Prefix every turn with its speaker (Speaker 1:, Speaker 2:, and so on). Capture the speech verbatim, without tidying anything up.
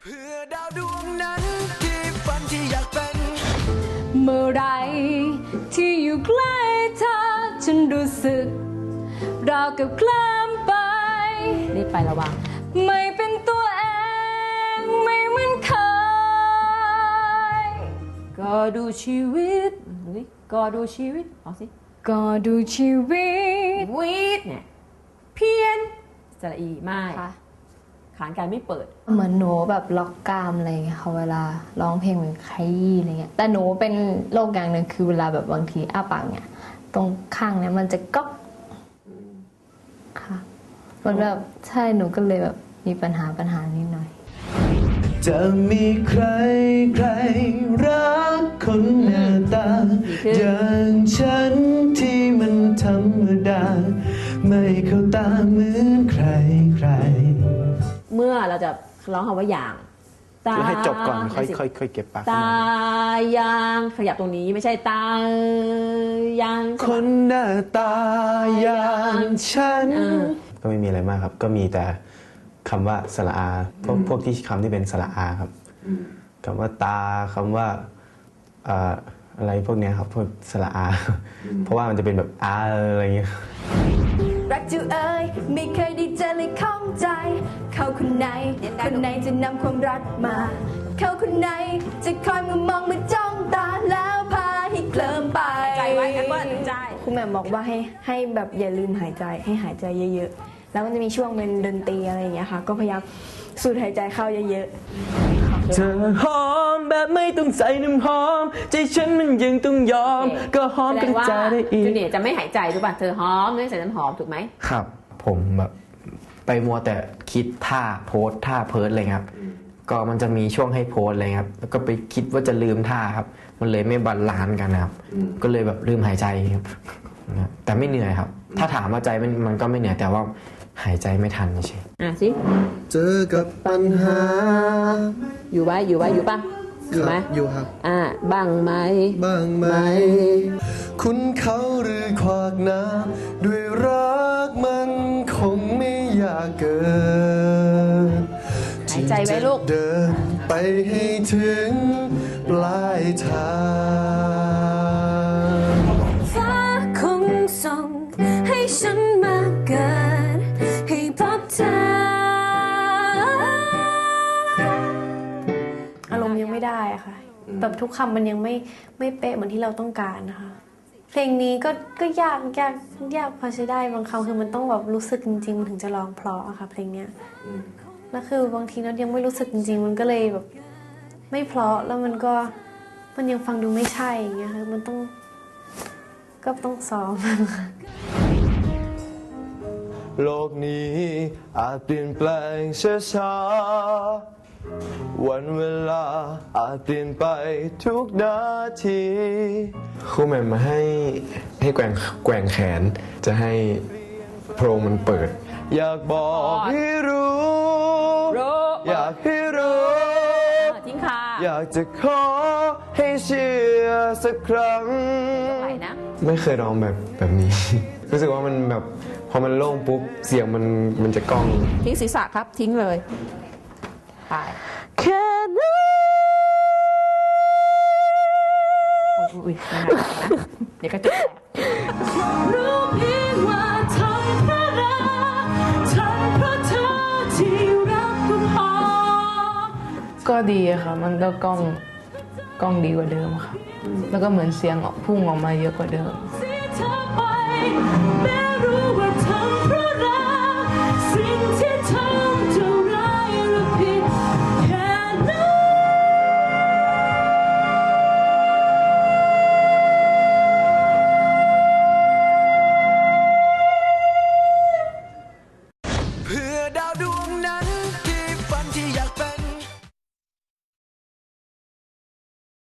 Speaker 1: เพื่อดาวดวงนั้นที่ฝันที่อยากเป็น
Speaker 2: เมื่อไรที่อยู่ใกล้เธอฉันรู้สึกราวกับเคลิ้มไปรีบไประวังไม่เป็นตัวเองไม่เหมือนเคยก็ดูชีวิตก็ดูชีวิตเอาสิก็ดูชีวิตวิตเนี่ยเพี้ยนสระอีไม่ขานการไม่เปิด
Speaker 3: เหมือนหนูแบบล็อกกรามอะไรเงี้ยค่ะเวลาร้องเพลงเหมือนใครอะไรเงี้ยแต่หนูเป็นโรคอย่างหนึ่งคือเวลาแบบบางทีอ้าปากเนี่ยตรงข้างเนี่ยมันจะก๊อกค่ะมันแบบใช่หนูก็เลยแบบมีปัญหาปัญหานิดหน่อย
Speaker 1: จะมีใครใครรักคนหน้าตาอย่างฉันที่มันธรรมดาไม่เข้าตาเหมือนใครใคร
Speaker 2: เมื่อเราจะร้องคำว่าอย่าง
Speaker 4: ตาให้จบก่อนค่อยค่อยค่อยเก็บปาก
Speaker 2: ตายางขยับตรงนี้ไม่ใช่ตายาง
Speaker 1: คนหน้าตาอย่างฉัน
Speaker 4: ก็ไม่มีอะไรมากครับก็มีแต่คำว่าสระอาพวกพวกที่คำที่เป็นสระอาครับคำว่าตาคำว่าอะไรพวกนี้ครับพวกสระอาเพราะว่ามันจะเป็นแบบอาอะไรเงี้ย
Speaker 2: รักจูเอ๋ยไม่เคยได้เจอเลยข้องใจเขาคนไหนคนไหนจะนำความรักมาเขาคนไหนจะคอยมามองมาจ้องตาแล้วพาให้เคลิ้มไปใจไว้กันว่าใจ
Speaker 3: คุณแม่บอกว่าให้ให้แบบอย่าลืมหายใจให้หายใจเยอะๆแล้วมันจะมีช่วงเป็นดนตรีอะไรอย่างเงี้ยค่ะก็พยายามสูดหายใจเข้าเยอะ
Speaker 1: ๆเธอหอมแบบไม่ต้องใส่น้ำหอมใจฉันมันยังต้องยอมก็หอมกันใจได้อีก
Speaker 2: จูเนียร์จะไม่หายใจถูกป่ะเธอหอมไม่ใส่น้ำหอมถูกไหม
Speaker 4: ครับผมแบบไปมัวแต่คิดท่าโพสท่าเพิร์ดเลยครับก็มันจะมีช่วงให้โพสเลยครับแล้วก็ไปคิดว่าจะลืมท่าครับมันเลยไม่บาลานซ์กันนะครับก็เลยแบบลืมหายใจครับแต่ไม่เหนื่อยครับถ้าถามว่าใจมันมันก็ไม่เหนื่อยแต่ว่าหายใจไม่ทันใช่
Speaker 2: อ่ะสิ
Speaker 1: เจอกับปัญหา
Speaker 2: อยู่ไว้อยู่ไว้อยู่ป่ะอยู่ไหม
Speaker 1: อยู่ครับ
Speaker 2: อ่าบ้างไหม
Speaker 1: บ้างไหมคุณเขาหรือขวากน้ำด้วยรักมันคงไม่อยากเกิน
Speaker 2: หายใจไว้ลูก
Speaker 1: เดินไปให้ถึงปลายทาง
Speaker 2: ฟ้าคงส่งให้ฉันมาเกิดให้พบเธอ
Speaker 3: อารมณ์ยังไม่ได้อะค่ะแบบทุกคำมันยังไม่ไม่เป๊ะเหมือนที่เราต้องการนะคะเพลงนี้ก็ก็ยากยากยากพอใช้ได้บางคำคือมันต้องแบบรู้สึกจริงๆมันถึงจะร้องเพราะอะค่ะเพลงเนี้ยแล้วคือบางทีเรายังไม่รู้สึกจริงๆมันก็เลยแบบไม่เพราะแล้วมันก็มันยังฟังดูไม่ใช่อย่างเงี้ยค่ะมันต้องก็ต้องซ้อม
Speaker 1: โลกนี้อาจเปลี่ยนแปลงช้าๆวันเวลาอาจเปลี่ยนไปทุกนาที
Speaker 4: ครูแม่มาให้ให้แกว่งแกว่งแขนจะให้โพรงมันเปิด
Speaker 1: อยากบอกให้รู้อยากให้รู้
Speaker 2: ทิ้งค่ะ
Speaker 1: อยากจะขอให้เชื่อสักครั้ง
Speaker 4: ไม่เคยร้องแบบแบบนี้รู้สึกว่ามันแบบพอมันโล่งปุ๊บเสียงมันมันจะก้อง
Speaker 2: ทิ้งศีรษะครับทิ้งเลยไป
Speaker 1: แค่นั้น
Speaker 2: อุ้ยนะเดี๋ยวก็จบรู้เพียงว่าทนเพราะรักทนเพราะเธอที่รักก็พอ
Speaker 5: ก็ดีค่ะมันก็ก้องก้องดีกว่าเดิมค่ะแล้วก็เหมือนเสียงพุ่งออกมาเยอะกว่าเดิม